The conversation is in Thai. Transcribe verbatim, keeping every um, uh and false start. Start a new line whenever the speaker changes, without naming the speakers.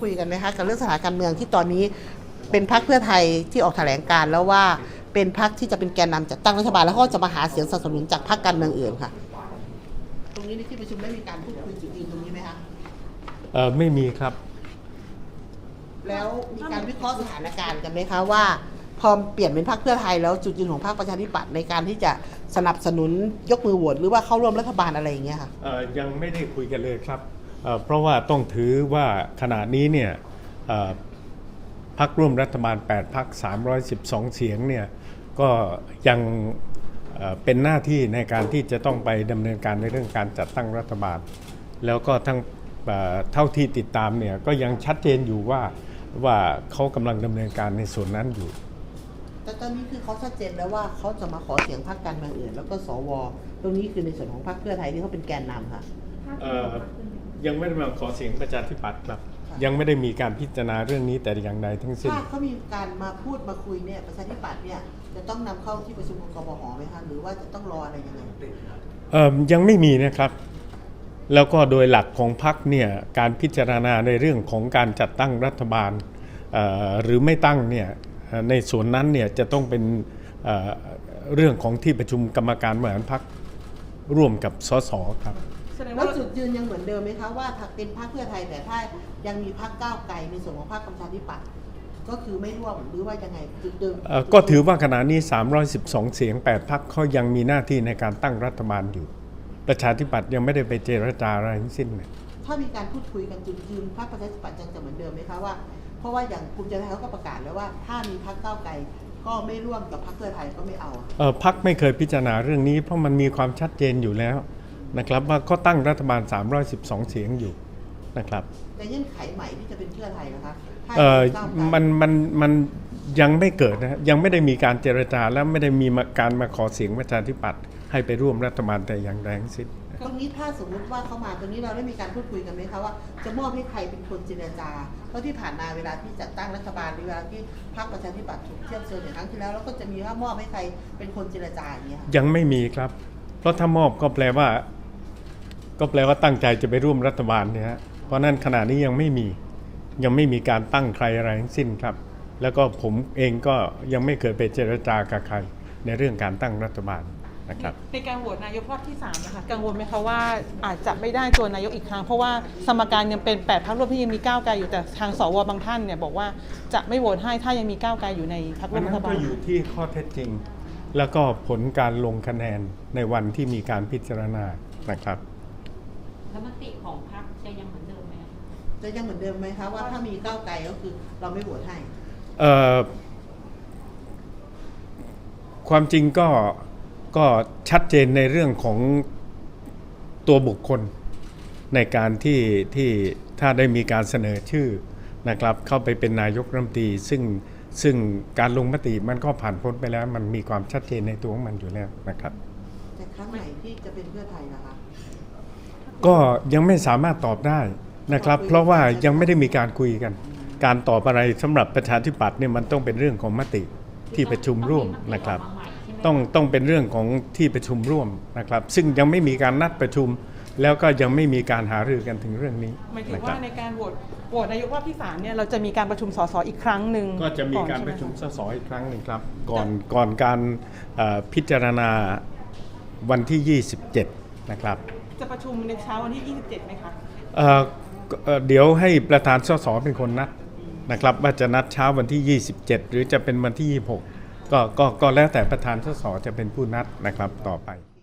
คุยกันไหมคะกับเรื่องสถานการเมืองที่ตอนนี้เป็นพรรคเพื่อไทยที่ออกแถลงการแล้วว่าเป็นพรรคที่จะเป็นแกนนำจัดตั้งรัฐบาลแล้วก็จะมาหาเสียงสนับสนุนจากพรรคการเมืองอื่นค่ะตรงนี้ในที่ประชุมได้มีการพูดคุยจุดยืนตรงนี้ไหมคะ
เออไม่มีครับ
แล้วมีการวิเคราะห์สถานการณ์กันไหมคะว่าพอเปลี่ยนเป็นพรรคเพื่อไทยแล้วจุดยืนของพรรคประชาธิปัตย์ในการที่จะสนับสนุนยกมือโหวตหรือว่าเข้าร่วมรัฐบาลอะไรอย่างเงี้ยค่ะ
เออยังไม่ได้คุยกันเลยครับเเพราะว่าต้องถือว่าขณะนี้เนี่ยพรรคร่วมรัฐบาลแปดพรรคสามร้อยสิบสองเสียงเนี่ยก็ยังเป็นหน้าที่ในการที่จะต้องไปดำเนินการในเรื่องการจัดตั้งรัฐบาลแล้วก็ทั้งเท่าที่ติดตามเนี่ยก็ยังชัดเจนอยู่ว่าว่าเขากำลังดำเนินการในส่วนนั้นอยู่
แต่ตอนนี้คือเขาชัดเจนแล้วว่าเขาจะมาขอเสียงพรรคการเมืองอื่นแล้วก็สวตรงนี้คือในส่วนของพรรคเพื่อไทยที่เขาเป็นแกนนำค่ะ
ยังไม่ได้มาขอเสียงประชาธิปัตย์ครับยังไม่ได้มีการพิจารณาเรื่องนี้แต่อย่างใดทั้งสิ้น
ถ้าเขามีการมาพูดมาคุยเนี่ยประชาธิปัตย์เนี่ยจะต้องนำเข้าที่ประชุมของกบหไหมคะหรือว่าจะต้องรออะไรยังไง
เอ่อยังไม่มีนะครับแล้วก็โดยหลักของพรรคเนี่ยการพิจารณาในเรื่องของการจัดตั้งรัฐบาลหรือไม่ตั้งเนี่ยในส่วนนั้นเนี่ยจะต้องเป็นเรื่องของที่ประชุมกรรมการบริหารพรรคร่วมกับสสครับ
แล้วจุดยืนยังเหมือนเดิมไหมคะว่าเป็นพรรคเพื่อไทยแต่ถ้ายังมีพรรคก้าวไกลในส่วนของพรรคประชาธิปัตย์ก็คือไม่ร่วมหรือว่ายังไงจุดเดิม
ก็ถือว่าขณะนี้สามร้อยสิบสองเสียงแปดพรรคเขายังมีหน้าที่ในการตั้งรัฐบาลอยู่ประชาธิปัตย์ยังไม่ได้ไปเจรจาอะไรทั้งสิ้นเลย
ถ้ามีการพูดคุยกันจุดยืนพรรคประชาธิปัตย์ยังจะเหมือนเดิมไหมคะว่าเพราะว่าอย่างภูมิใจไทยเขาก็ประกาศแล้วว่าถ้ามีพรรคก้าวไกลก็ไม่ร่วมกับพรรคเพื่อไทยก็ไม่เอา
เออพรรคไม่เคยพิจารณาเรื่องนี้เพราะมันมีความชัดเจนอยู่แล้วนะครับว่าก็ตั้งรัฐบาลสามร้อยสิบสองเสียงอยู่นะครับ
แต่เงื่อนไขใหม่ที่จะเป็นเพื่อไทยนะคะ
เออมันมันมันยังไม่เกิดนะยังไม่ได้มีการเจรจาและไม่ได้มีการมาขอเสียงประชาธิปัตย์ให้ไปร่วมรัฐบาลแต่อย่างแรงสิ้น
ตรงนี้ถ้าสมมุติว่าเขามาตรงนี้เราได้มีการพูดคุยกันไหมคะว่าจะมอบให้ใครเป็นคนเจรจาเพราะที่ผ่านมาเวลาที่จัดตั้งรัฐบาลเวลาที่พรรคประชาธิปัตย์ถูกเทียบเชิญอย่างครั้งที่แล้วแล้วก็จะมีว่ามอบให้ใครเป็นคนเจรจาอย่างเงี้ย
ยังไม่มีครับเพราะถ้ามอบก็แปลว่าก็แปลว่าตั้งใจจะไปร่วมรัฐบาลเนี่ยฮะเพราะนั้นขณะนี้ยังไม่มียังไม่มีการตั้งใครอะไรทั้งสิ้นครับแล้วก็ผมเองก็ยังไม่เคยไปเจรจากับใครในเรื่องการตั้งรัฐบาลนะครับ
ในการโหวตนายกรอบที่สามนะคะกังวลไหมคะว่าอาจจะไม่ได้ตัวนายกอีกครั้งเพราะว่าสมการยังเป็นแปดพรรคร่วมที่ยังมีก้าวไกลอยู่แต่ทางสวบางท่านเนี่ยบอกว่าจะไม่โหวตให้ถ้ายังมีก้าวไกลอยู่ในพรรคร่วมรัฐบาล
ก็อยู่ที่ข้อเท็จจริงแล้วก็ผลการลงคะแนนในวันที่มีการพิจารณานะครับ
แล้วมติของพรรคจะยังเหมือนเดิมไหม
จะยังเหมือนเดิมไหมคะว่าถ้ามีก้าวไกลก็คือเราไม่โหวตให้
ความจริงก็ก็ชัดเจนในเรื่องของตัวบุคคลในการที่ที่ถ้าได้มีการเสนอชื่อนะครับเข้าไปเป็นนายกรัฐมนตรีซึ่งซึ่งการลงมติมันก็ผ่านพ้นไปแล้วมันมีความชัดเจนในตัวของมันอยู่แล้วนะครับ
แต่ครั้งไหนที่จะเป็นเพื่อไทยนะคะ
ก็ยังไม่สามารถตอบได้นะครับเพราะว่ายังไม่ได้มีการคุยกันการตอบอะไรสำหรับประชาธิปัตย์เนี่ยมันต้องเป็นเรื่องของมติที่ประชุมร่วมนะครับต้องต้องเป็นเรื่องของที่ประชุมร่วมนะครับซึ่งยังไม่มีการนัดประชุมแล้วก็ยังไม่มีการหารือกันถึงเรื่องนี้
หมายถึงว่าในการโหวตโหวตนายกรอบที่สามเนี่ยเราจะมีการประชุมสสอีกครั้งหนึ่ง
ก็จะมีการประชุมสสอีกครั้งหนึ่งครับก่อนก่อนการพิจารณาวันที่ยี่สิบเจ็ดนะครับ
จะประชุมในเช้าวันที่ยี่สิบเจ็ดไหมคะ
เดี๋ยวให้ประธานสสเป็นคนนัดนะครับว่าจะนัดเช้าวันที่ยี่สิบเจ็ดหรือจะเป็นวันที่ยี่สิบหกก็ก็ก็แล้วแต่ประธานสสจะเป็นผู้นัดนะครับต่อไป